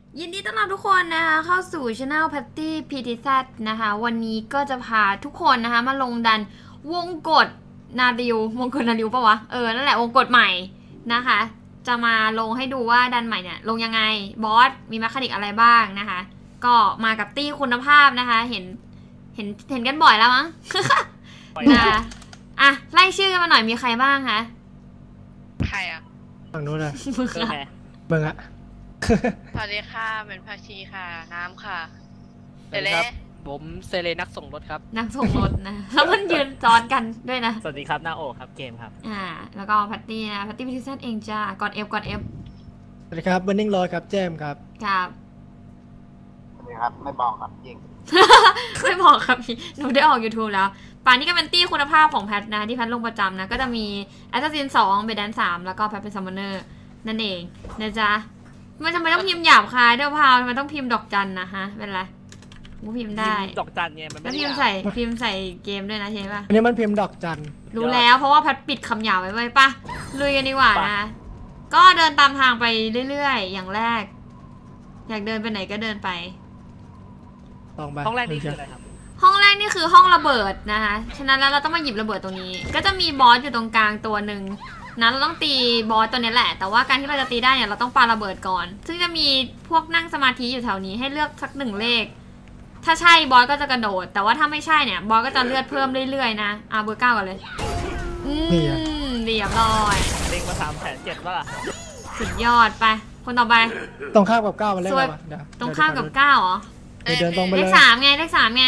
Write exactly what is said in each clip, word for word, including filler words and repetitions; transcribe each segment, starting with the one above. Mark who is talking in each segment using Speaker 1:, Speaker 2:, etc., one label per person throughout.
Speaker 1: ยินดีต้อนรับทุกคนนะคะเข้าสู่ช anel Patty พี ที แซด นะคะวันนี้ก็จะพาทุกคนนะคะมาลงดันวงกฏนาริววงกฏนาริวปะวะเออนั่นแหละวงกฏใหม่นะคะจะมาลงให้ดูว่าดันใหม่เนี่ยลงยังไงบอสมีแมคานิกอะไรบ้างนะคะก็มากับตี้คุณภาพนะคะเห็นเห็นเห็นกันบ่อยแล้วมั้ง นะอ่ะไล่ชื่อกันมาหน่อยมีใครบ้างคะ
Speaker 2: ใครอ่ะ
Speaker 3: ฝั่งนู้นนะ
Speaker 1: มึงอะ
Speaker 3: มึงอะ
Speaker 2: สวัสดีค่ะเป็นภาชีค่ะน้ำค่ะ
Speaker 4: เดเล่ผมเซเลนักส่งรถครับ
Speaker 1: นักส่งรถนะแล้วมันยืนซ้อนกันด้วยนะ
Speaker 4: สวัสดีครับนาโอครับเกมครับ
Speaker 1: อ่าแล้วก็พัตตี้นะพัตตี้พิธีเซตเองจ้ากดเอฟกดเอฟ
Speaker 3: สวัสดีครับเบอร์นิ่งลอยครับแจมครับ
Speaker 1: ครับ
Speaker 5: สวัสดีครับไม่บอกครับจริง
Speaker 1: ไม่บอกครับพี่หนูได้ออก ยูทูบ แล้วป่านนี้ก็เป็นตี้คุณภาพของแพทนะที่แพทลงประจำนะก็จะมีแอสซัสซินสองเบดแดนสามแล้วก็แพทเป็นซัมมอนเนอร์นั่นเองนะจ๊ะมันทำไมต้องพิมพ์หยาบคายด้วยพาวทำไมต้องพิมพ์ดอกจันนะฮะเป็นไรกูพิมพ์ได้
Speaker 4: ดอกจันเนี่ยมันไม่
Speaker 1: ได้พิมพ์ใส่พิมพ์ใส่เกมด้วยนะใช่ปะ
Speaker 3: อันนี้มันพิมพ์ดอกจัน
Speaker 1: รู้แล้วเพราะว่าแพทปิดคำหยาบไว้ไว้ปะลุยกันดีกว่านะก็เดินตามทางไปเรื่อยๆอย่างแรกอยากเดินไปไหนก็เดินไป
Speaker 4: ห้องแรกนี่คืออะไรครับ
Speaker 1: ห้องแรกนี่คือห้องระเบิดนะคะฉะนั้นแล้วเราต้องมาหยิบระเบิดตรงนี้ก็จะมีบอสอยู่ตรงกลางตัวหนึ่งนะเราต้องตีบอสตัวนี้แหละแต่ว่าการที่เราจะตีได้เนี่ยเราต้องปาระเบิดก่อนซึ่งจะมีพวกนั่งสมาธิอยู่แถวนี้ให้เลือกสักหนึ่งเลขถ้าใช่บอสก็จะกระโดดแต่ว่าถ้าไม่ใช่เนี่ยบอสก็จะเลือดเพิ่มเรื่อยๆนะเอาเบอร์เก้าก่อนเลยอืมเรียบร้อย
Speaker 4: เล็งมาสามแสนเจ็ดว่าล่ะ
Speaker 1: สุดยอดไปคนต่อไป
Speaker 3: ตรงข้ามกับเก้ามันเล่นอะไร
Speaker 1: ตรงข้ามกับเก้าเหรอ
Speaker 3: เดินตรงไปเลย
Speaker 1: เลขสามไงเลขสามไง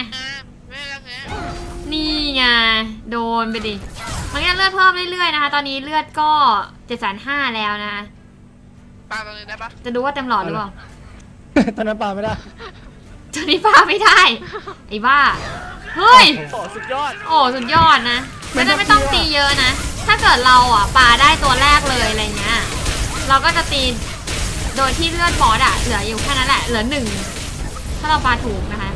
Speaker 1: นี่ไงโดนไปดิมันก็เลือดเพิ่มเรื่อยๆนะคะตอนนี้เลือดก็เจ็ดแสนห้าแล้วนะ
Speaker 2: ปาตรงนี้ได้ปะ
Speaker 1: จะดูว่าเต็มหลอดหรือเปล่า
Speaker 3: ตอนนั้นปาไม่ได้
Speaker 1: ตอนนี้ปาไม่ได้ไอ้บ้าเฮ้ย
Speaker 4: โอ้สุดยอด
Speaker 1: โอ้สุดยอดนะไม่ได้ไม่ต้องตีเยอะนะถ้าเกิดเราอ่ะปาได้ตัวแรกเลยอะไรเงี้ยเราก็จะตีโดยที่เลือดบอสอ่ะเหลืออยู่แค่นั้นแหละเหลือหนึ่งถ้าเราปาถูกนะคะ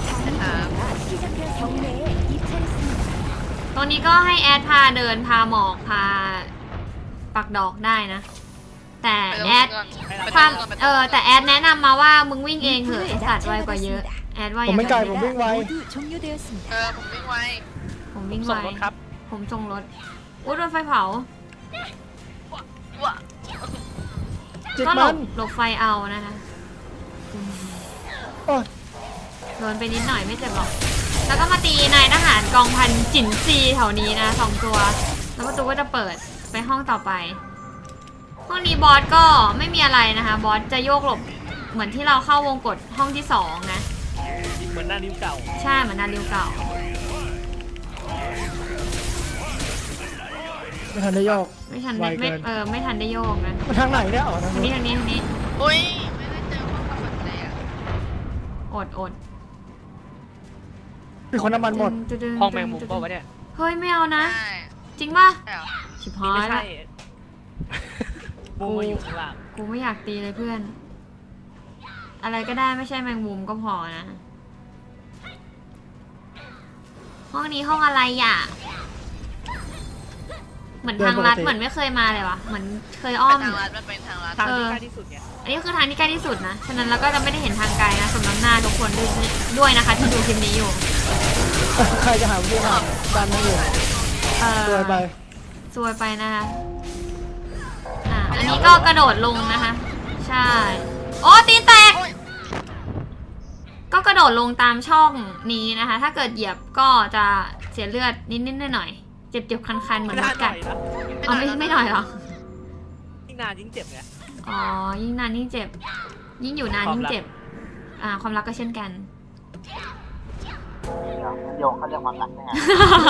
Speaker 1: ตรงนี้ก็ให้แอดพาเดินพาหมอกพาปักดอกได้นะแต่แอดความเออแต่แอดแนะนำมาว่ามึงวิ่งเองเถอะไอสัตว์ไวกว่าเยอะแอดว่า
Speaker 3: ผมไม่ไกลผมวิ่งไว
Speaker 2: เออผมวิ่งไว
Speaker 1: ผมวิ่งไว
Speaker 4: ครับ
Speaker 1: ผมส่งรถอุ้ยโดนไฟเผาก็หลบหลบไฟเอานะคะโดนไปนิดหน่อยไม่เจ็บหรอกแล้วก็มาตีนายทหารกองพันจินซีแถวนี้นะสองตัวแล้วประตูก็จะเปิดไปห้องต่อไปห้องนี้บอสก็ไม่มีอะไรนะคะบอสจะโยกหลบเหมือนที่เราเข้าวงกฏห้องที่สองนะ
Speaker 4: เหมือนนาริวเก่า
Speaker 1: ใช่เหมือนนาริวเก่า
Speaker 3: ไม่ทันได้โยก
Speaker 1: ไม่ทันไม่เออไม่ทันได้โยกนะ
Speaker 3: ทางไหนเนี่ยอ๋อทาง
Speaker 1: นี้ทางนี้ทางนี้
Speaker 2: อุ้ยไม่ได้เจอห้องกำบัดเลยอ่ะ
Speaker 1: อดอด
Speaker 3: มีคนน้ำมันหมด
Speaker 4: ห้องแมงมุมป่าวะเนี่ย
Speaker 1: เฮ้ยไม่เอานะจริงป่ะชิบหายละ
Speaker 4: กูมาอยู่ข้างล่าง
Speaker 1: กูไม่อยากตีเลยเพื่อนอะไรก็ได้ไม่ใช่แมงมุมก็พอนะห้องนี้ห้องอะไรอ่ะเหมือนทางลัดเหมือนไม่เคยมาเลยวะเหมือนเคยอ้อม
Speaker 2: ทางลัดมันเป็นทางลัด
Speaker 4: ทางที่ใกล้ที่สุดไง
Speaker 1: อันนี้คือทางที่ใกล้ที่สุดนะฉะนั้นเราก็จะไม่ได้เห็นทางไกลนะสำหรับหน้าทุกคนด้วยด้วยนะคะที่ดูคลิปนี้อยู่
Speaker 3: ใครจะหาวิธีทำดันมาอยู่ซวยไป
Speaker 1: ซวยไปนะคะอ่าอันนี้ก็กระโดดลงนะคะใช่โอ้ตีนแตกก็กระโดดลงตามช่องนี้นะคะถ้าเกิดเหยียบก็จะเสียเลือดนิดๆหน่อยๆเจ็บๆคันๆเหมือนกัดอ๋อไม่ไม่หน่อยหรอ
Speaker 4: ยิ่งนานยิ่งเจ็บไง
Speaker 1: อ๋อยิ่งนานยิ่งเจ็บยิ่งอยู่นานยิ่งเจ็บอ่าความรักก็เช่นกัน
Speaker 5: โยงเขาเรียกความรักเนี่ย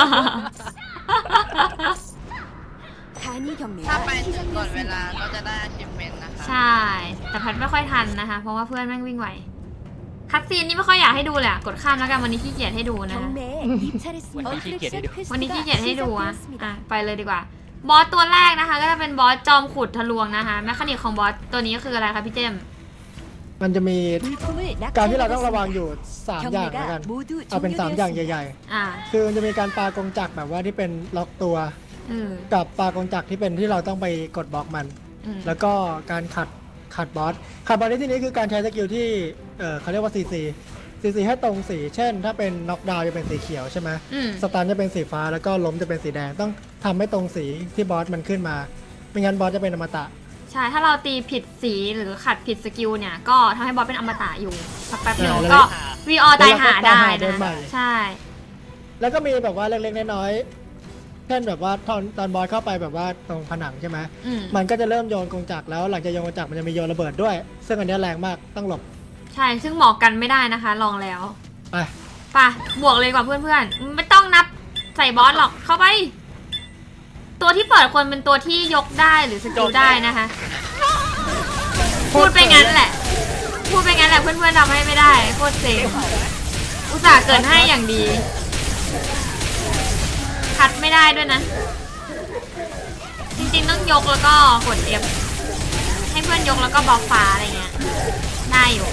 Speaker 2: ถ้าไปถึงก่อนเวลาก็จะได้ achievement นะคะ
Speaker 1: ใช่แต่พัดไม่ค่อยทันนะคะเพราะว่าเพื่อนแม่งวิ่งไวคัดซีนนี่ไม่ค่อยอยากให้ดูเลยกดข้ามแล้วกันวันนี้ขี้เกียจให้ดูนะ
Speaker 4: วันนี้ขี้เกียจให้ดู
Speaker 1: วันนี้ขี้เกียจให้ดูอ่ะอ่ะไปเลยดีกว่าบอสตัวแรกนะคะก็จะเป็นบอสจอมขุดทะลวงนะคะแมคานิกของบอสตัวนี้คืออะไรคะพี่เจม
Speaker 3: มันจะมีการที่เราต้องระวังอยู่สามอย่างแล้วกันเอาเป็นสามอย่างใหญ่ๆคือมันจะมีการปากงจักรแบบว่าที่เป็นล็อกตัวกับปากงจักรที่เป็นที่เราต้องไปกดบล็อกมันแล้วก็การขัดขัดบอสขัดบอสในที่นี้คือการใช้สกิลที่เออเขาเรียกว่าซีซีซีซีให้ตรงสีเช่นถ้าเป็นน็อกดาวน์จะเป็นสีเขียวใช่ไหมสตันจะเป็นสีฟ้าแล้วก็ล้มจะเป็นสีแดงต้องทำให้ตรงสีที่บอสมันขึ้นมาไม่งั้นบอสจะเป็นอมตะ
Speaker 1: ใช่ถ้าเราตีผิดสีหรือขัดผิดสกิลเนี่ยก็ทำให้บอสเป็นอมตะอยู่สักแป๊บนึงก็วีออตายหาได้นะใช่
Speaker 3: แล้วก็มีแบบว่าเล็กๆน้อยๆเช่นแบบว่าตอนตอนบอสเข้าไปแบบว่าตรงผนังใช่ไหมมันก็จะเริ่มโยนกงจักรแล้วหลังจากโยนกงจักรมันจะมีโยนระเบิดด้วยซึ่งอันนี้แรงมากต้องหลบ
Speaker 1: ใช่ซึ่งบอกกันไม่ได้นะคะลองแล้ว
Speaker 3: ไป
Speaker 1: ไปบวกเลยกว่าเพื่อนๆไม่ต้องนับใส่บอสหรอกเข้าไปตัวที่เปิดคนเป็นตัวที่ยกได้หรือสกิลได้นะคะพูดไปงั้นแหละพูดไปงั้นแหละเพื่อนๆทำให้ไม่ได้โคตรเซ็งอุตส่าห์เกิดให้อย่างดีคัดไม่ได้ด้วยนะจริงๆต้องยกแล้วก็กด F ให้เพื่อนยกแล้วก็บล็อกฟ้าอะไรเงี้ยได้อยู่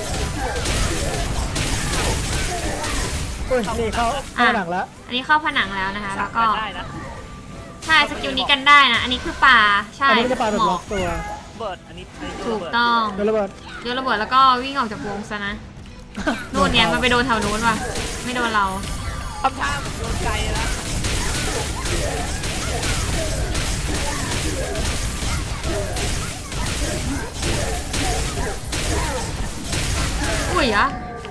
Speaker 3: นี่เข้าผนังแล้ว
Speaker 1: อันนี้เข้าผนังแล้วนะคะแล้วก็ใช่สกิลนี้กันได้นะอันนี้คือป่าใช่
Speaker 3: อันนี้จะป่าแบบล็อกตัว
Speaker 4: เบิร์ดอันนี้
Speaker 1: ถูกต้อง
Speaker 3: โยนระเบิด
Speaker 1: โยนระเบิดแล้วก็วิ่งออกจากวงซะนะนู่นเนี่ยมันไปโดนแถวนู้นว่ะไม่โดนเรา
Speaker 4: ทำท่าโดนไกลแล้ว
Speaker 1: อุ้ยอะ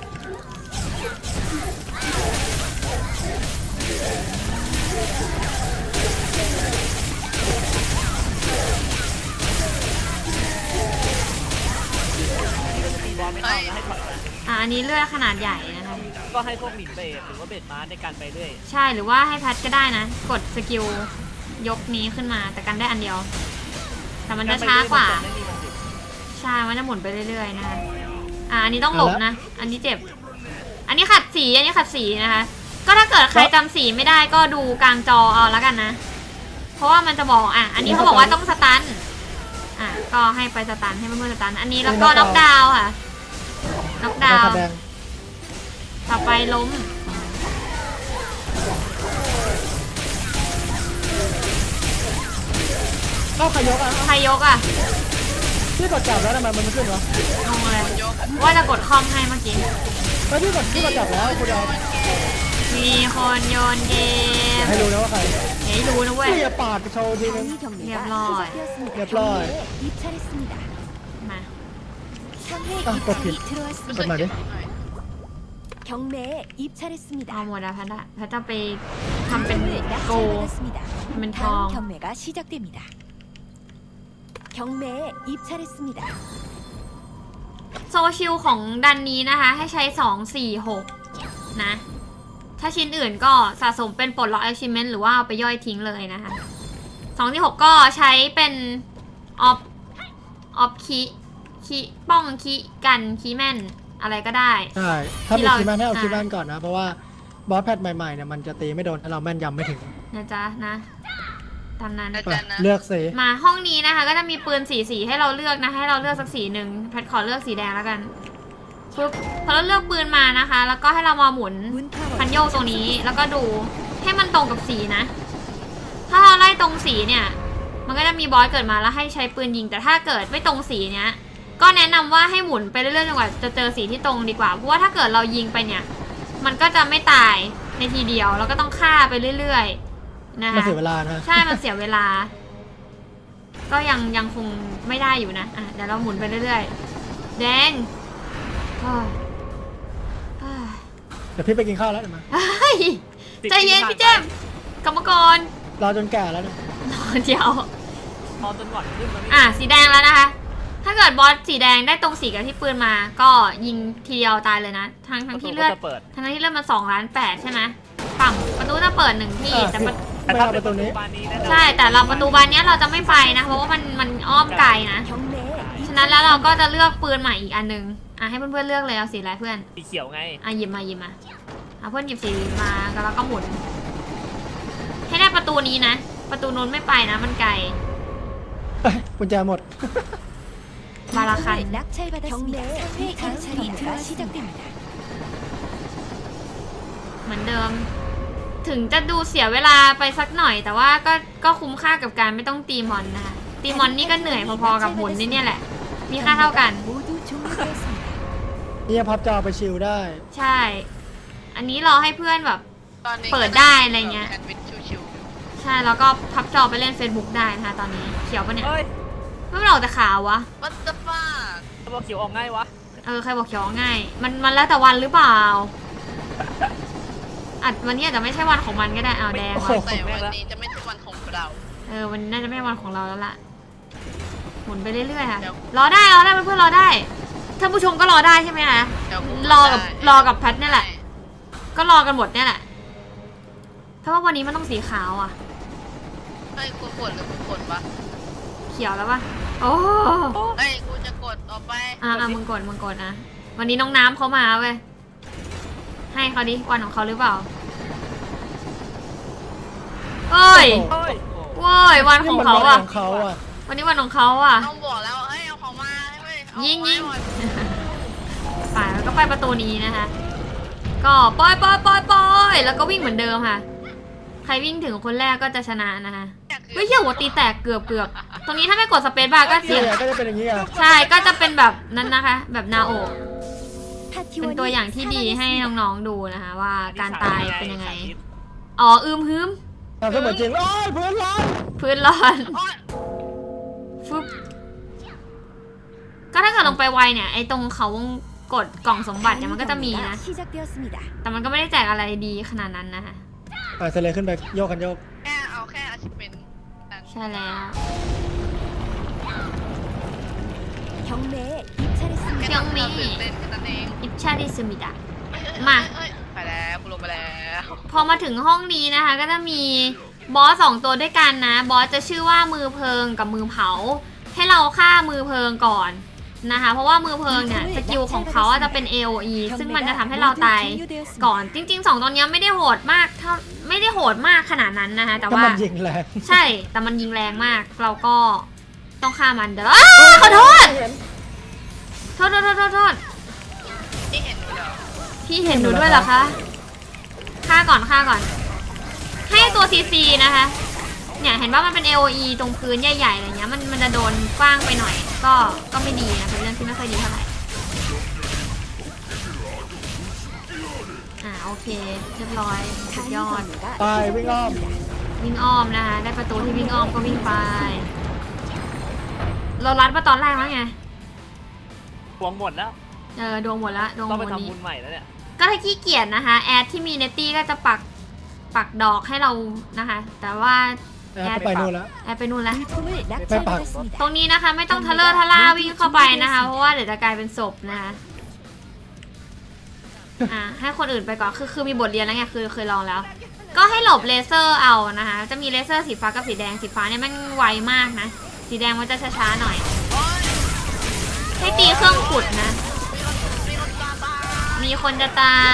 Speaker 1: อ่ะอันนี้เลือดขนาดใหญ่นะคะ
Speaker 4: ก็ให้พวกหมินเบสหรือว่าเบสมาในการไปเรื่อย
Speaker 1: ใช่หรือว่าให้แพทก็ได้นะกดสกิลยกนี้ขึ้นมาแต่กันได้อันเดียวแต่มันจะช้ากว่าใช่มันจะหมุนไปเรื่อยๆนะคะอ่ะอันนี้ต้องหลบนะอันนี้เจ็บอันนี้ขัดสีอันนี้ขัดสีนะคะก็ถ้าเกิดใครจำสีไม่ได้ก็ดูกลางจอเอาแล้วกันนะเพราะว่ามันจะบอกอ่ะอันนี้เขาบอกว่าต้องสตันอ่ะก็ให้ไปสตันให้เพื่อนๆสตันอันนี้แล้วก็น็อกดาวน์ค่ะน็อกดาวน์ต่อไปล้ม
Speaker 3: เข้าใครยกอ่ะ
Speaker 1: ใครยกอ่ะ
Speaker 3: พี่กดจับแล้วทำไมมันไม่ขึ้นวะ
Speaker 1: งงเลยว่าจะกดคอมให้เมื่อกี้
Speaker 3: แล้วพี่กดพี่กดจับแล้วคุณเอา
Speaker 1: มีคนโยนเกม
Speaker 3: ให้รู้นะว่าใคร
Speaker 1: ให้รู้นะเว้ย
Speaker 3: อย่าปาดโชว์ทีนึง
Speaker 1: เรียบร้อย
Speaker 3: เรียบร้อย
Speaker 1: ม
Speaker 3: ากดผิดกดมาดิ
Speaker 1: เอาหมดแล้วพัดอะพัดจะไปทำเป็นโกเป็นทองโซชิลของดันนี้นะคะให้ใช้สอง สี่ หกนะถ้าชิ้นอื่นก็สะสมเป็นปลดล็อก achievement หรือว่าเอาไปย่อยทิ้งเลยนะคะสอง สี่ หกก็ใช้เป็นออฟออฟคีคีป้องคีกันคีแม่นอะไรก็ได้
Speaker 3: ใช่ถ้ามีคีแม่นให้เอาคีแม่นก่อนนะเพราะว่าบอสแพทใหม่ๆเนี่ยมันจะตีไม่โดนถ้าเราแม่นยำไม่ถึง
Speaker 1: นะจ๊ะนะตามนั้น
Speaker 3: เลือกสี
Speaker 1: มาห้องนี้นะคะก็จะมีปืนสีสีให้เราเลือกนะให้เราเลือกสักสีหนึ่งแพทขอเลือกสีแดงแล้วกันปุ๊บพอเราเลือกปืนมานะคะแล้วก็ให้เรามาหมุนคันโยกตรงนี้แล้วก็ดูให้มันตรงกับสีนะถ้าเราไล่ตรงสีเนี่ยมันก็จะมีบอสเกิดมาแล้วให้ใช้ปืนยิงแต่ถ้าเกิดไม่ตรงสีเนี้ยก็แนะนำว่าให้หมุนไปเรื่อยๆจนกว่าจะเจอสีที่ตรงดีกว่าเพราะว่าถ้าเกิดเรายิงไปเนี่ยมันก็จะไม่ตายในทีเดียวแล้วก็ต้องฆ่าไปเรื่อยๆนะคะ
Speaker 3: มันเสียเวลานะ
Speaker 1: ใช่มันเสียเวลาก็ยังยังคงไม่ได้อยู่นะอ่ะเดี๋ยวเราหมุนไปเรื่อยๆแดง
Speaker 3: เดี๋ยวพี่ไปกินข้าวแล้วเดี๋ยวมา
Speaker 1: ใจเย็นพี่เจมกรรมกร
Speaker 3: รอจนแก่แล้วนะ
Speaker 1: รอเดียว
Speaker 4: รอจนก่อนขึ้นมา
Speaker 1: อ่ะสีแดงแล้วนะคะถ้าเกิดบอสสีแดงได้ตรงสีกับที่ปืนมาก็ยิงทีเดียวตายเลยนะทั้งทั้งที่เลือดทั้งที่เลือดมันสองล้านแปดใช่ไหมฝั่งประตูจะเปิดหนึ่งที่แต่
Speaker 3: ประตูนี้
Speaker 1: ใช่แต่เราประตูบานนี้เราจะไม่ไปนะเพราะว่ามันมันอ้อมไกลนะฉะนั้นแล้วเราก็จะเลือกปืนใหม่อีกอันนึงอ่ะให้เพื่อนๆเลือกเลยเอาสีอะไรเพื่อน
Speaker 4: สีเขียวไง
Speaker 1: อ่ะหยิบมาหยิบมาเอาเพื่อนหยิบสีมาแล้วก็หมุนให้ได้ประตูนี้นะประตูนู้นไม่ไปนะมันไกล
Speaker 3: กุญแจหมด
Speaker 1: มาละคันเหมือนเดิมถึงจะดูเสียเวลาไปสักหน่อยแต่ว่าก็ก็คุ้มค่ากับการไม่ต้องตีมอนนะคะตีมอนนี่ก็เหนื่อยพอๆกับหมุนนี่เนี่ยแหละมีค่าเท่ากัน
Speaker 3: นี่พับจอไปชิลได้
Speaker 1: ใช่ อันนี้รอให้เพื่อนแบบ
Speaker 2: ตอนนี้
Speaker 1: เปิดได้อะไรเงี้ย
Speaker 2: แซนด์วิชชิว
Speaker 1: ใช่แล้วก็พับจอไปเล่น Facebook ได้นะคะตอนนี้เขียวปะเนี่ย
Speaker 4: เฮ้ย
Speaker 1: ไม่เป็นออกแต่ขาววะ
Speaker 2: ๆ What the fuck
Speaker 4: ตัวบอกเขียวออกง่ายวะ
Speaker 1: เออใครบอกเขียวง่าย มันมันแล้วแต่วันหรือเปล่าอาจวันนี้อาจจะไม่ใช่วันของมันก็ได้เอาแดง
Speaker 3: โอ้
Speaker 1: ว่ะ
Speaker 3: โห
Speaker 2: แต่วันนี้จะไม่ใช่วันของเรา
Speaker 1: เออวันนี้น่าจะไม่ใช่วันของเราแล้วล่ะหมุนไปเรื่อยๆค่ะ
Speaker 2: เดี๋ยว
Speaker 1: รอได้รอได้เพื่อนๆรอได้ท่านผู้ชมก็รอได้ใช่ไหมคะ
Speaker 2: เดี๋ยวกู
Speaker 1: รอกับ
Speaker 2: ได้
Speaker 1: รอกับแพทเนี่ยแหละ ก็รอกันหมดเนี่ยแหละเพราะว่าวันนี้มันต้องสีขาวอ่ะ
Speaker 2: เฮ้ยกูกดหรือกูกดวะ
Speaker 1: เขียวแล้วปะโอ้
Speaker 2: เฮ้ยกูจะกดออกไป
Speaker 1: อ่ะอ่ะมึงกดมึงกดนะวันนี้น้องน้ำเขามาเว้ยให้เขาดิวันของเขาหรือเปล่าเอ้ย
Speaker 4: เฮ้ย
Speaker 1: เว้ยวันของเขา
Speaker 3: นี่มันวัน
Speaker 1: อ่ะ
Speaker 3: ของเขาอ่ะ
Speaker 1: วันนี้วันของเขาอ่ะ
Speaker 2: ต้องบอกแล้วเฮ้ยเอาของมาให้เว้ยเอา
Speaker 1: ยิง
Speaker 2: ของมา
Speaker 1: ยิง
Speaker 2: ให้หมด
Speaker 1: ไปแล้วก็ไปประตูนี้นะคะ ก็ปอยปอยปอยปอยแล้วก็วิ่งเหมือนเดิมค่ะ ใครวิ่งถึงคนแรกก็จะชนะนะคะเฮ้ยเหี้ยหัวตีแตกเกือบเกือบตรงนี้ถ้าไม่กดสเปซบาร์ก็เสียง
Speaker 3: เนี่ยก็จะเป็นอย่างนี้อ่ะ
Speaker 1: ใช่ก็จะเป็นแบบนั้นนะคะ แบบนาโอะเป็นตัวอย่างที่ดีให้น้องๆดูนะคะ ว่าการตายเป็นยังไง อ๋ออืมฮึม
Speaker 3: ทำเสมือนจริงโอ้ยเพื่อนร้อน
Speaker 1: พื้นร้อน
Speaker 2: โอ๊ย
Speaker 1: ฟึบก็ถ้าเกิดลงไปไวเนี่ยไอ้ตรงเขาวงกดกล่องสมบัติเนี่ยมันก็จะมีนะ แต่มันก็ไม่ได้แจกอะไรดีขนาดนั้นนะคะ
Speaker 3: อ่ะเซเลขึ้นไปโยกกันโยก
Speaker 2: แค่เอาแค่ achievement นั้น
Speaker 1: ใช่แล้ว
Speaker 2: แค่ทำให้เราตื่นเต้นแค่นั้นเอง
Speaker 1: อิปชาดิซึมิดะ มา
Speaker 2: เอ้ยไปแล้วกูลงไปแล้ว
Speaker 1: พอมาถึงห้องนี้นะคะ ก็จะมีบอสสองตัวด้วยกันนะ บอสจะชื่อว่ามือเพลิงกับมือเผา ให้เราฆ่ามือเพลิงก่อนนะคะ เพราะว่ามือเพลิงเนี่ยสกิลของเขาอะจะเป็น เอ โอ อี ซึ่งมันจะทำให้เราตายก่อน จริงๆสองตัวเนี้ยไม่ได้โหดมากเท่าไม่ได้โหดมากขนาดนั้นนะคะ แต่
Speaker 3: ก็
Speaker 1: ว่า
Speaker 3: มันยิงแรง
Speaker 1: ใช่ แต่มันยิงแรงมาก เราก็ต้องฆ่ามันเด้ออ้าขอโทษ โทษโทษโทษโทษโทษ
Speaker 2: ที่เห็นดูเดี๋ยว
Speaker 1: พี่เห็นหนูด้วยเหรอคะ ฆ่าก่อนฆ่าก่อน ให้ตัวซีซีนะคะ เนี่ยเห็นว่ามันเป็น เอ โอ อี ตรงพื้นใหญ่ๆอะไรเงี้ย มันมันจะโดนกว้างไปหน่อย ก็ก็ไม่ดีนะ เป็นเรื่องที่ไม่ค่อยดีเท่าไหร่ อ่าโอเคเรียบร้อยสุดยอด
Speaker 3: ตายวิ่งอ้อม
Speaker 1: วิ่งอ้อมนะคะ ได้ประตูที่วิ่งอ้อมก็วิ่งไป เรารัดมาตอนแรกแล้วไง
Speaker 4: หวงหมดแล้ว
Speaker 1: เออดวงหมดละดวงหม
Speaker 4: ต้อง
Speaker 1: ด
Speaker 4: ไป
Speaker 1: นี้
Speaker 4: ทำบุญใหม่แล้วเนี่ย
Speaker 1: ก็ถ้าขี้เกียจนะคะ แอดที่มีเนตตี้ก็จะปักปักดอกให้เรานะคะ แต่ว่า
Speaker 3: แอดไปนู่นแล้ว
Speaker 1: แอดไปนู่นแล้ว
Speaker 3: ไม่ปัก
Speaker 1: ตรงนี้นะคะไม่ต้องทะเลอร์ทะล่าวิ่งเข้าไปนะคะ เพราะว่าเดี๋ยวจะกลายเป็นศพนะคะอ่ะให้คนอื่นไปก่อนคือคือมีบทเรียนแล้วไงคือเคยลองแล้ว ก็ให้หลบเลเซอร์เอานะคะ จะมีเลเซอร์สีฟ้ากับสีแดงสีฟ้าเนี่ยแม่งไวมากนะ สีแดงมันจะช้าๆหน่อย
Speaker 2: โอ๊ย
Speaker 1: ให้ตีเครื่องขุดนะ
Speaker 2: มีคนตาตา
Speaker 1: มีคนจะตาย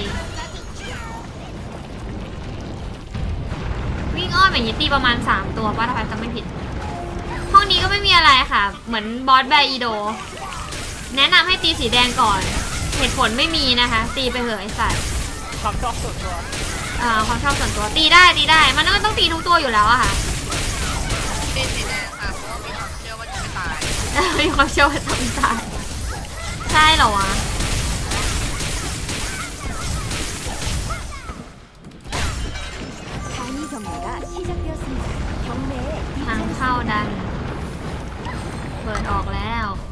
Speaker 1: วิ่งอ้อมอย่างนี้ตีประมาณสามตัวป้าถ้าแพทย์จำไม่ผิด ห้องนี้ก็ไม่มีอะไรค่ะ เหมือนบอสแบร์อีโด แนะนำให้ตีสีแดงก่อน เหตุผลไม่มีนะคะ ตีไปเถอะไอ้สัตว์
Speaker 4: ความชอบส่วนตัว
Speaker 1: เอ่อความชอบส่วนตัวตีได้ตีได้ มันก็ต้องตีทุกตัวอยู่แล้วอะค่ะ
Speaker 2: ตีสีแดงค่ะเพราะว่ามีความเชื่อว่าจะไม่ตาย
Speaker 1: มีความเชื่อว่าทำตายใช่เหรอวะ ทางเข้าดัน เปิดออกแล้ว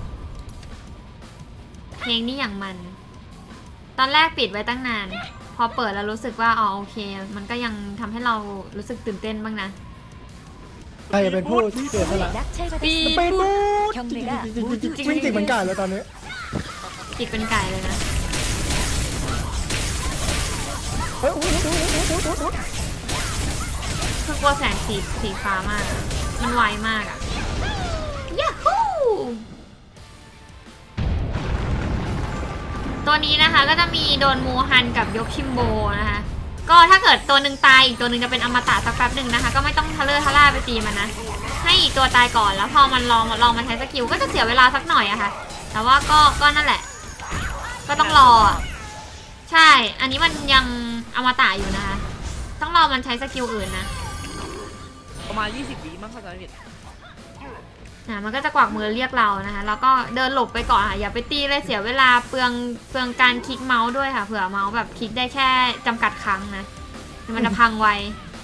Speaker 1: เพลงนี้อย่างมัน ตอนแรกปิดไว้ตั้งนาน พอเปิดแล้วรู้สึกว่าอ๋อโอเค มันก็ยังทำให้เรารู้สึกตื่นเต้นบ้างนะ
Speaker 3: ใครจะเป็นผู้เสียสละ
Speaker 1: ปี
Speaker 3: ไปบู๊ด
Speaker 1: ด
Speaker 3: วิ่งติดเหมือนไก่เลยตอนนี้
Speaker 1: จิกเป็นไก่เลยนะ
Speaker 3: เฮ้ยอุ๊ยอุ๊ยอุ๊ยอุ๊ยอุ๊ยอุ๊ย
Speaker 1: คือกลัวแสงสีสีฟ้ามากอะมันไวมากอะยาฮูตัวนี้นะคะก็จะมีโดนมูฮันกับยกคิมโบนะคะ ก็ถ้าเกิดตัวหนึ่งตายอีกตัวหนึ่งจะเป็นอมตะสักแป๊บหนึ่งนะคะ ก็ไม่ต้องทะเลอร์ทะล่าไปตีมันนะ ให้อีกตัวตายก่อนแล้วพอมันลองลองมาใช้สกิลก็จะเสียเวลาสักหน่อยอะค่ะ แต่ว่าก็ก็นั่นแหละ ก็ต้องรออะใช่ อันนี้มันยังอมตะอยู่นะคะ ต้องรอมันใช้สกิลอื่นนะ
Speaker 4: ประมาณยี่สิบวิมั้งเข้าใจผิด
Speaker 1: นะมันก็จะกวักมือเรียกเรานะคะแล้วก็เดินหลบไปก่อนค่ะอย่าไปตีเลยเสียเวลาเปลืองเปลืองการคลิกเมาส์ด้วยค่ะเผื่อเมาส์แบบคลิกได้แค่จำกัดครั้งนะมันจะพังไว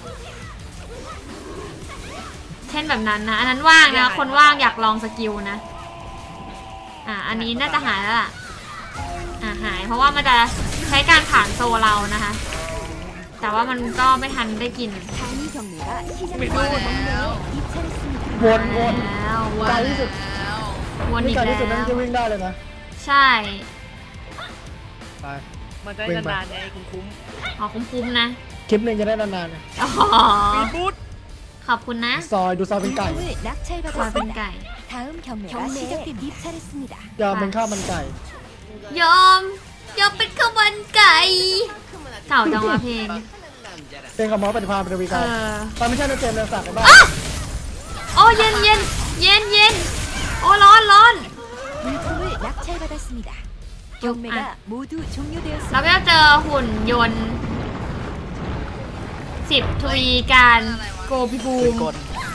Speaker 1: เช่นแบบนั้นนะอันนั้นว่างนะคนว่างอยากลองสกิลนะอ่ะอันนี้น่าจะหายแล้วล่ะอ่ะหายเพราะว่ามันจะใช้การผ่านโซเรานะคะแต่ว่ามันก็ไม่ทันได้กิน
Speaker 2: 단위 경매가 시작됩니다. 경매 입찰했습니다.
Speaker 3: วนวน
Speaker 1: แล้วว
Speaker 3: ไกล
Speaker 1: น
Speaker 3: ที่สุด
Speaker 1: วน
Speaker 3: นี่
Speaker 1: อีก
Speaker 3: ไกล
Speaker 1: แล้
Speaker 3: ที่สุดนั่น
Speaker 1: ว
Speaker 3: จะวิ่งได้เลยนะ
Speaker 1: ใช่
Speaker 3: ไป
Speaker 4: มันจะ
Speaker 3: วิ่งไป
Speaker 4: นานๆไงคุ้ม
Speaker 1: อ๋อคุ้มๆนะ
Speaker 3: คลิปหนึ่งจะได้นานๆนะ
Speaker 1: อ๋อ
Speaker 4: ๆมีบูธ
Speaker 1: ขอบคุณนะ
Speaker 3: ซอยดูซอยเป็นไก่
Speaker 2: 물품을
Speaker 1: ซอยเป็น
Speaker 2: 낙찰받았습니다.
Speaker 1: ไก่
Speaker 2: 다음 경매가 시작됩니다. 입찰했습니다.
Speaker 3: ยอมเป็นข้าวมันไก่
Speaker 1: ยอมยอมเป็นข้าวมันไก่เก่าจังวะเพลง
Speaker 3: เป็นคำมอปฏิภาณเป็นวี
Speaker 1: เอ
Speaker 3: การ
Speaker 1: อ
Speaker 3: ตอนไม่ใช่ในเกมเดินสักกันบ้าง
Speaker 1: โอ้เย็นเย็นเย็นเย็นโอ้ร้อนร้อน
Speaker 2: 물품을 낙찰받았습니다. 경매가 모두
Speaker 1: เรา
Speaker 2: 종료되었습니다.
Speaker 1: ก็จะเจอหุ่นยนต์สิบทวีการโกบิบู
Speaker 4: ปืน
Speaker 1: ม
Speaker 4: กล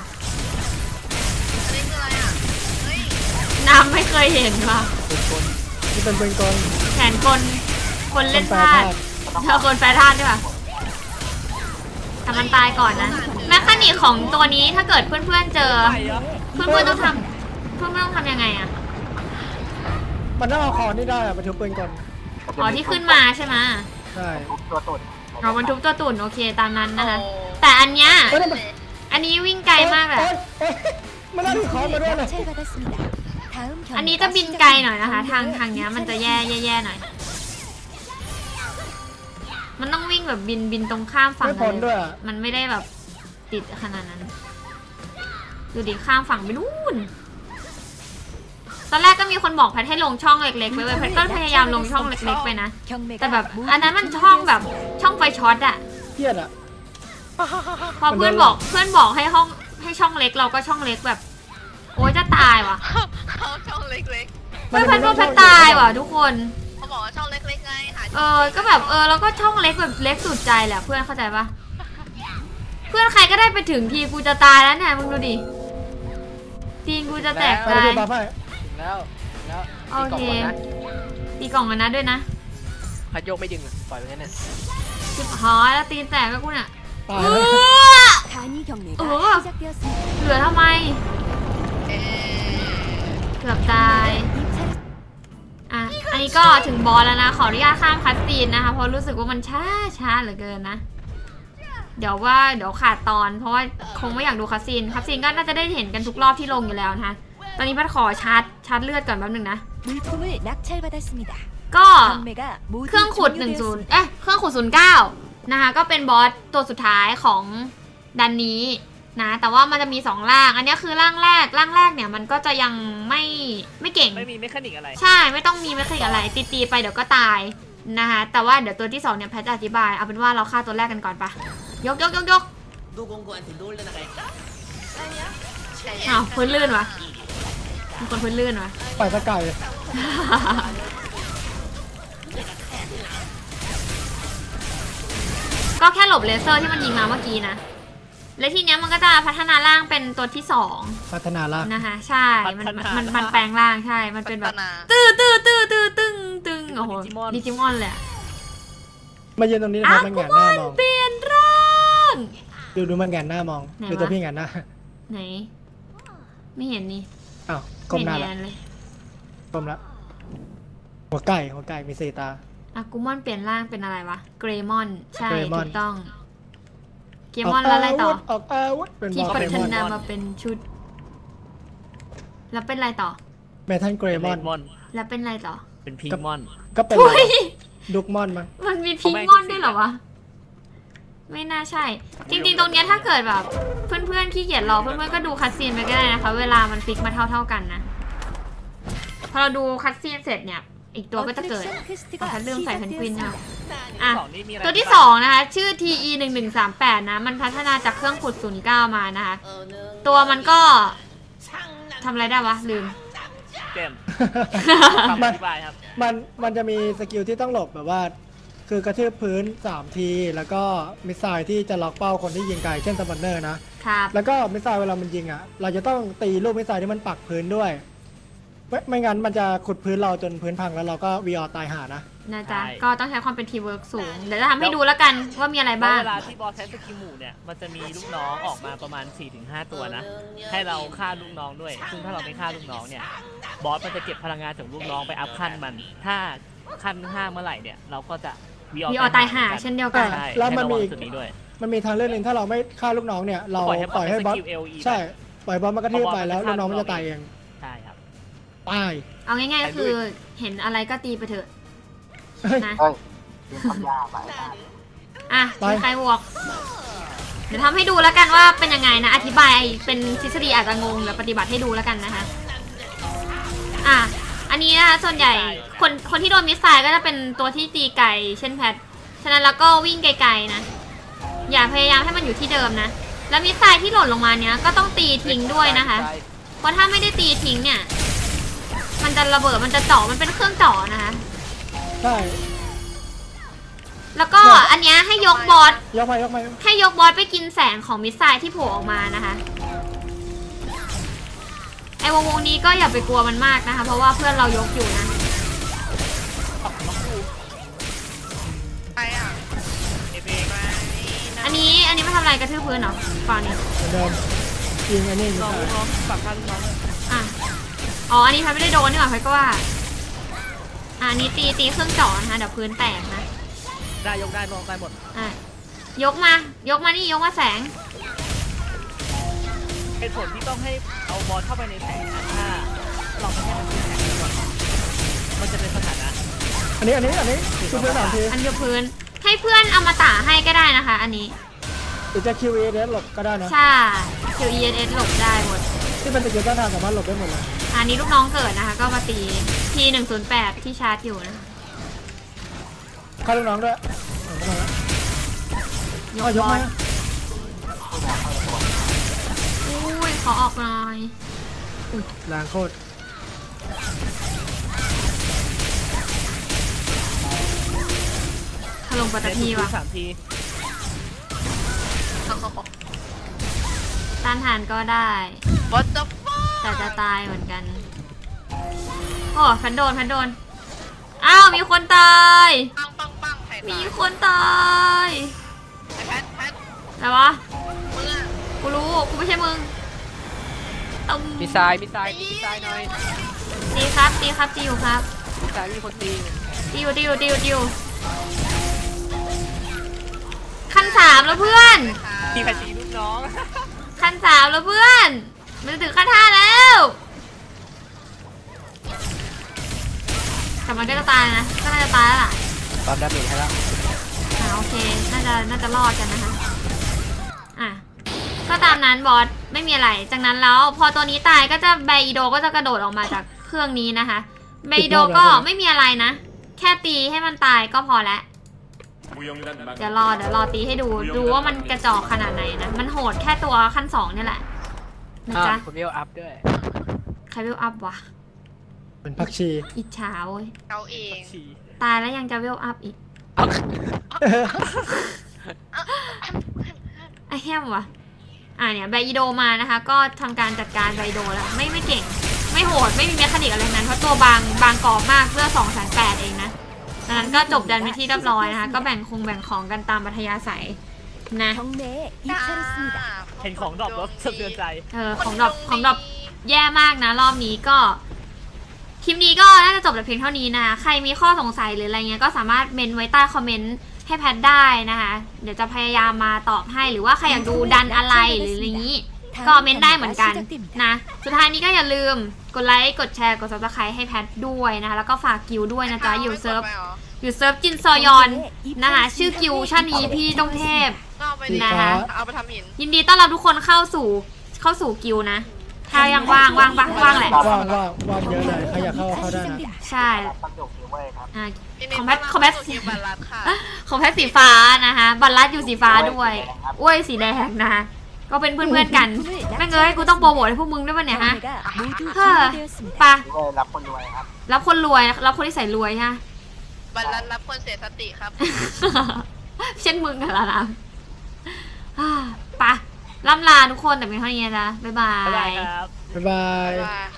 Speaker 1: น้ำไม่เคยเห็นว่ะ
Speaker 4: ปืนกล
Speaker 3: นี่เป็นเป็นกล
Speaker 1: แขนคนคนเล่น
Speaker 3: แปล
Speaker 1: พลาด
Speaker 3: ธาตุ
Speaker 1: เธอคนแปรธาตุด้วยป่ะทำมันตายก่อนนะแมคคานิกของตัวนี้ถ้าเกิดเพื่อนๆเจอ
Speaker 4: ไปเหรอ
Speaker 1: เพื่อนๆต้องทำเพื่อนๆต้องทำยังไงอะ
Speaker 3: มันต้องเอาคอนี่ได้อะไปถือปืนกล
Speaker 1: อ๋อที่ขึ้นมาใช่ไหม
Speaker 3: ใช่
Speaker 5: ทุบตัวตุ่น
Speaker 1: อ๋อบรรทุกตัวตุ่นโอเคตามนั้นนะคะแต่อันเนี้ย
Speaker 3: เฮ้ยนั่นมัน
Speaker 1: อันนี้วิ่งไกลมากเลย
Speaker 3: โอ๊ยโอ๊ยมันน่าถือคอมาด้วยเลย
Speaker 2: 낙찰받았습니다. 다음
Speaker 1: อันนี้
Speaker 2: 경매가
Speaker 1: จะบินไกลหน่อย
Speaker 2: 시작됩니다.
Speaker 1: นะคะ ทางทางเนี้ยมันจะแย่แย่ๆหน่อย มันต้องวิ่งแบบบินบินตรงข้ามฝั่ง
Speaker 3: ไม่
Speaker 1: กั
Speaker 3: พ้
Speaker 1: น
Speaker 3: น
Speaker 1: เล
Speaker 3: ด้วย
Speaker 1: ย
Speaker 3: อะ
Speaker 1: มันไม่ได้แบบติดขนาดนั้น ดูดิข้ามฝั่งไปนู่น ตอนแรกก็มีคนบอกแพทให้ลงช่องเล็กๆไปเว้ยแพทก็พยายามลงช่องเล็กๆไปนะ
Speaker 2: 경매가
Speaker 1: แต่แบบ
Speaker 2: 모두
Speaker 1: อันนั้นมันช่องแบบช่องไฟช็อตอะ
Speaker 3: เครียดอะ
Speaker 1: พอเพื่อนบอกเพื่อนบอกให้ห้องให้ช่องเล็กเราก็ช่องเล็กแบบ โอ๊ยจะตายว่ะ
Speaker 6: เขาช่องเล็ก
Speaker 1: เพื่อนเพื่อนว่าแพทตายว่ะทุกคน
Speaker 6: ๆ เขาบอกว่าช่องเล็กๆไงหา
Speaker 1: เออ ก็แบบเออแล้วก็ช่องเล็กแบบเล็กสุดใจแหละเพื่อนเข้าใจปะเพื่อนใครก็ได้ไปถึงทีกูจะตายแล้วเนี่ยมึงดูดิตีนกูจะแตก
Speaker 3: ไป
Speaker 1: ตาย
Speaker 3: ดูบัฟให้
Speaker 4: ถึงแล้วถึงแล้ว
Speaker 1: โอ
Speaker 4: ตีกล่อง
Speaker 1: เค
Speaker 4: ก่อนนะ
Speaker 1: ตีกล่องกันนะด้วยนะ
Speaker 4: พัดโยกไม่ดึงอะปล่อยไปงั้นน่ะ
Speaker 1: สิบหอแล้วตีนแตกก็กูเนี่ย
Speaker 3: ตาย
Speaker 1: เอ
Speaker 3: แล้ว
Speaker 1: อ
Speaker 2: 단위 경매가
Speaker 1: 어.
Speaker 2: 시작되었습니다.
Speaker 1: เหลือทำไม
Speaker 6: เอ๊ะ
Speaker 1: เกือบตาย
Speaker 2: 입찰
Speaker 1: อ่ะอันนี้ก็ถึงบอสแล้วนะขออนุญาตข้ามคัสซีนนะคะเพราะรู้สึกว่ามันช้าช้าเหลือเกินนะ เดี๋ยวว่าเดี๋ยวขาดตอนเพราะว่าคงไม่อยากดูคัสซีนคัสซีนก็น่าจะได้เห็นกันทุกรอบที่ลงอยู่แล้วนะคะตอนนี้พัดขอชาร์จชาร์จเลือดก่อนแป๊บนึงนะ
Speaker 2: 물품을 낙찰받았습니다.
Speaker 1: ก็
Speaker 2: 경매가 모두
Speaker 1: เครื่องขุดหนึ่งศูนย์
Speaker 2: 종료되었습니다.
Speaker 1: เอ๊ะเครื่องขุดศูนย์เก้านะคะก็เป็นบอสตัวสุดท้ายของดันนี้นะแต่ว่ามันจะมีสองร่างอันนี้คือร่างแรกร่างแรกเนี่ยมันก็จะยังไม่ไม่เก่ง
Speaker 4: ไม่มีเมคานิกอะไร
Speaker 1: ใช่ไม่ต้องมีไม่เคยอะไรตีตีๆไปเดี๋ยวก็ตายนะคะแต่ว่าเดี๋ยวตัวที่สองเนี่ยแพทจะอธิบายเอาเป็นว่าเราฆ่าตัวแรกกันก่อนปะยกยกยกยกอ้าวพื้นลื่นวะมีคนพื้นลื่นวะ
Speaker 3: ไปตะไก่
Speaker 1: ก็แค่หลบเลเซอร์ที่มันยิงมาเมื่อกี้นะและทีเนี้ยมันก็จะพัฒนาร่างเป็นตัวที่สอง
Speaker 3: พัฒนาละ
Speaker 1: นะคะใช่มันมันมันแปลงร่างใช่มันเป็นแบบ
Speaker 6: พัฒนา
Speaker 1: ตื้อตื้อตื้อตื้อตึงตึงโอ้โหดิจิมอนเลยอะ
Speaker 3: มายืนตรงนี้นะค
Speaker 1: อ้า
Speaker 3: รับ
Speaker 1: ว
Speaker 3: มัน
Speaker 1: กู
Speaker 3: แงนห
Speaker 1: มั
Speaker 3: น้าน มอง
Speaker 1: เปลี่ยนร่าง
Speaker 3: ดูดูมันแงนหน้ามอง
Speaker 1: ไหนวะ
Speaker 3: ดูตัวพี่แงนหน้า
Speaker 1: ไหน ไม่เห็นนี่
Speaker 3: อ้าวก้มหน้า
Speaker 1: ไม่
Speaker 3: ละ
Speaker 1: เห็นเลย
Speaker 3: ก้มละหัวไก่หัวไก่มีสี่ตา
Speaker 1: อากูมอนเปลี่ยนร่างเป็นอะไรวะ เกรมอน ใช่
Speaker 3: เกรม
Speaker 1: ถู
Speaker 3: อน
Speaker 1: กต้อง เกรมอนแล้วอะไรต่อ
Speaker 3: ออกอาวุธเป็น
Speaker 1: ที่
Speaker 3: บอส
Speaker 1: พั
Speaker 3: เกร
Speaker 1: ฒ
Speaker 3: มอน
Speaker 1: นามาเป็นชุด แล้วเป็นอะไรต่อ
Speaker 3: เมทัลเกรมอน
Speaker 4: มอน
Speaker 1: แล้วเป็นอะไรต่อ
Speaker 4: เป็นพิงมอน
Speaker 3: ก็เป็น
Speaker 1: ทุย
Speaker 3: ดุกมอนมั้ง
Speaker 1: มันมีพิงมอนด้วยเหรอวะ ไม่น่าใช่ จริงๆ ตรงเนี้ยถ้าเกิดแบบ เพื่อนๆขี้เกียจรอเพื่อนๆก็ดูคัดซีนไปก็ได้นะคะ เวลามันฟิกมาเท่าๆกันนะ พอเราดูคัดซีนเสร็จเนี่ย อีกตัวก็จะเกิด
Speaker 2: 어트랙션 퀘스트가
Speaker 1: อ๋อลืมใส่เพนกวิน
Speaker 2: 시작되었습니다.
Speaker 1: ค่ะอ่ะ
Speaker 4: สองนี่มีอะไร
Speaker 1: ตัวที่สองนะคะ ชื่อ ที อี หนึ่งหนึ่งสามแปด นะ มันพัฒนาจากเครื่องขุดศูนย์เก้ามานะคะ ตัวมันก็ทำอะไรได้วะ ลืม
Speaker 4: เกม
Speaker 3: มั
Speaker 4: คำอน ธิบายครับ
Speaker 3: มันมันจะมีสกิลที่ต้องหลบแบบว่าคือกระทืบพื้นสามทีแล้วก็มิสไซล์ที่จะล็อกเป้าคนที่ยิงไกลเช่นสปันเนอร์นะครับแล้วก็มิสไซล์เวลามันยิงอ่ะเราจะต้องตีลูกมิสไซล์ที่มันปักพื้นด้วยไม่ไม่งั้นมันจะขุดพื้นเราจนพื้นพังแล้วเราก็วีออตายหานะ
Speaker 1: นะจ๊ะก็ต้องใช้ความเป็นทีมเวิร์กสูงเดี๋ยวจะทำให้ดูแล้วกันว่ามีอะไรบ้าง
Speaker 7: เวลาที่บอสใช้สกิลหมู่เนี่ยมันจะมีลูกน้องออกมาประมาณ สี่ถึงห้า ตัวนะให้เราฆ่าลูกน้องด้วยซึ่งถ้าเราไม่ฆ่าลูกน้องเนี่ยบอสมันจะเก็บพลังงานจากลูกน้องไปอัพขั้นมันถ้าขั้นห้าเมื่อไหร่เนี่ยเราก็จะ
Speaker 1: วีออตายหาเช่นเดียวกัน
Speaker 3: แล้วมันมีมันมีทางเลือกหนึ่งถ้าเราไม่ฆ่าลูกน้องเนี่ยเราปล่อยให้บอสใช่ปล่อยบอสมันกระทืบไปแล้วลูกน้องมันจะตายเอง
Speaker 7: ใช่ครับ
Speaker 3: ตาย
Speaker 1: เอาง่ายๆก็คือเห็นอะไรก็ตีไปเถอะนะ
Speaker 5: เฮ้ยเป็นคำยาไป
Speaker 1: อ่ะมีใครบอกเดี๋ยวทำให้ดูแล้วกันว่าเป็นยังไงนะอธิบายเป็นทฤษฎีอาจจะงงแล้วปฏิบัติให้ดูแล้วกันนะคะอ่ะอันนี้นะคะส่วนใหญ่คนคนที่โดนมิสไซล์ก็จะเป็นตัวที่ตีไกลเช่นแพทฉะนั้นแล้วก็วิ่งไกลๆนะอย่าพยายามให้มันอยู่ที่เดิมนะแล้วมิสไซล์ที่หล่นลงมาเนี้ยก็ต้องตีทิ้งด้วยนะคะเพราะถ้าไม่ได้ตีทิ้งเนี่ยมันจะระเบิดมันจะเจาะมันเป็นเครื่องเจาะนะคะ
Speaker 3: ใช่
Speaker 1: แล้วก็อันนี้ให้ยกบอส
Speaker 3: ยกไปยกไป
Speaker 1: ให้ยกบอสไปกินแสงของมิสไซล์ที่โผล่ออกมานะคะไอ้วงวงนี้ก็อย่าไปกลัวมันมากนะคะเพราะว่าเพื่อนเรายกอยู่นะ
Speaker 6: ไปอ่ะ
Speaker 1: อันนี้อันนี้มาทำอะไรกระทืบพื้นเหรอฝั่งนี้
Speaker 3: เดิมยิงอันนี้
Speaker 7: น้องน้องฝั่งข้างน้อง
Speaker 1: อ่ะอ๋ออันนี้พัดไม่ได้โดนนี่หว่าพัดก็ว่าอันนี้ตีตีเครื่องเจาะนะคะเดี๋ยวพื้นแตกนะ
Speaker 7: ได้ยกได้มองได้หมด
Speaker 1: อ่ะยกมายกมานี่ยกมาแสง
Speaker 7: เหตุผลที่ต้องให้เอาบอลเข้าไปในแสงถ้าเราไม่ให้มันขึ้นแสงก่อนมันจะเป็นสถานะ
Speaker 3: อันนี้อันนี้อันนี้คือพื้นสามที
Speaker 1: อันยกพื้นให้เพื่อนเอามาตาให้ก็ได้นะคะอันนี้
Speaker 3: หรือจะ คิว อี เอส หลบก็ได้นะ
Speaker 1: ใช่ คิว อี เอส หลบได้หมด
Speaker 3: ที่เป็นตะเกียบต้านทานสามารถหลบได้หมดเลย
Speaker 1: อันนี้ลูกน้องเกิดนะคะก็มาตี ที หนึ่งศูนย์แปด ที่ชาร์จอยู่นะ
Speaker 3: ฆ่าลูกน้องด้วย
Speaker 1: ยกบอลอุ้ยขอออกหน่อย
Speaker 3: แรงโคตร
Speaker 1: ถล่มปัตตพีว่ะ
Speaker 7: สามที
Speaker 1: ต้านทานก็ได้แต่จะตายเหมือนกันโอ้พันโดนพันโดนอ้าวมีคนตาย
Speaker 6: ปังปังปัง
Speaker 1: มีคนตายอะไรวะกูรู้กูไม่ใช่มึง
Speaker 7: ต้องมีทรายมีทรายมีทรายหน่อย
Speaker 1: ตีครับตีครับตีอยู่ครับ
Speaker 7: มีทรายมีคนตี
Speaker 1: ตีอยู่ตีอยู่ตีอยู่ตีอยู่ขั้นสามแล้วเพื่อน
Speaker 7: ตีแผ่นตีลูกน้อง
Speaker 1: ขั้นสามแล้วเพื่อนมันถึงขั้นห้าแล้วแต่มันก็จะตายนะก็น่าจะตายแล้วล่ะ
Speaker 7: ตอนดาเมจให้แล้ว
Speaker 1: อ่าโอเคน่าจะน่าจะรอดกันนะคะอ่ะก็ตามนั้นบอสไม่มีอะไรจากนั้นแล้วพอตัวนี้ตายก็จะไบโดก็จะกระโดดออกมาจากเครื่องนี้นะคะไบโดก็ไม่มีอะไรนะแค่ตีให้มันตายก็พอแล้วเดี๋ยวรอเดี๋ยวรอตีให้ดูดูว่ามันกระจอกขนาดไหนนะมันโหดแค่ตัวขั้นสองนี่แหละนะจ๊ะ
Speaker 7: คนเวลอัพด้วย
Speaker 1: ใครเวลอัพวะ
Speaker 3: เป็นพักชี
Speaker 1: อิจฉาเว้ย
Speaker 6: เอาเอง
Speaker 1: ตายแล้วยังจะเวลอัพอีกไอแฮมวะอ่าเนี่ยไบโดมานะคะก็ทำการจัดการไบโดแล้วไม่ไม่เก่งไม่โหดไม่มีเมคานิกอะไรนั้นเพราะตัวบางบางกรอบมากเพื่อสองแสนแปดเองนะดังนั้นก็จบดันไปที่เรียบร้อยนะคะก็แบ่งคงแบ่งของกันตามปัทยาศัยนะ
Speaker 7: เห็นของดรอปแล้วสะเทือนใจ
Speaker 1: เออของดรอปของดรอปแย่มากนะรอบนี้ก็คลิปนี้ก็น่าจะจบแต่เพียงเท่านี้นะคะใครมีข้อสงสัยหรืออะไรเงี้ยก็สามารถเมนไว้ใต้คอมเมนต์ให้แพทได้นะคะเดี๋ยวจะพยายามมาตอบให้หรือว่าใครอยากดูดันอะไรหรืออะไรนี้ก็เมนได้เหมือนกันนะสุดท้ายนี้ก็อย่าลืมกดไลค์กดแชร์กดซับสไครต์ให้แพทด้วยนะคะแล้วก็ฝากกิวด้วยนะจ๊ะอยู่เซิร์ฟอยู่เซิร์ฟจินซอยอนนะคะชื่อกิวชั่นนี้พี่ต้องเทพนะคะยินดีต้อนรับทุกคนเข้าสู่เข้าสู่กิวนะถ้ายังว่างว่างว่างว่างแหละ
Speaker 3: ว่างว่างว่างเยอะเลยใครอยากเข้าเข้าได้นะ
Speaker 1: ใช่ของแพทของแพทของแพทสีฟ้านะคะบัลลัดอยู่สีฟ้าด้วยอ้วยสีแดงนะคะก็เป็นเพื่อนๆกันแม่งเอ้ยกูต้องโปรโมทให้พวกมึงด้วยป่ะเนี่ยฮะเฮ้อปะ
Speaker 5: รับคนรวยครับ
Speaker 1: รับคนรวยรับคนที่ใส่รวยฮะ
Speaker 6: บัลลังก์รับคนเสียสติครับ
Speaker 1: เช่นมึงกันละนะอ่าไปล่ำลาทุกคนแต่เป็นเท่านี้นะจ๊ะบ๊ายบา
Speaker 7: บ๊ายบาย
Speaker 1: ย
Speaker 7: ครับ
Speaker 3: บ๊ายบาย
Speaker 6: ว่า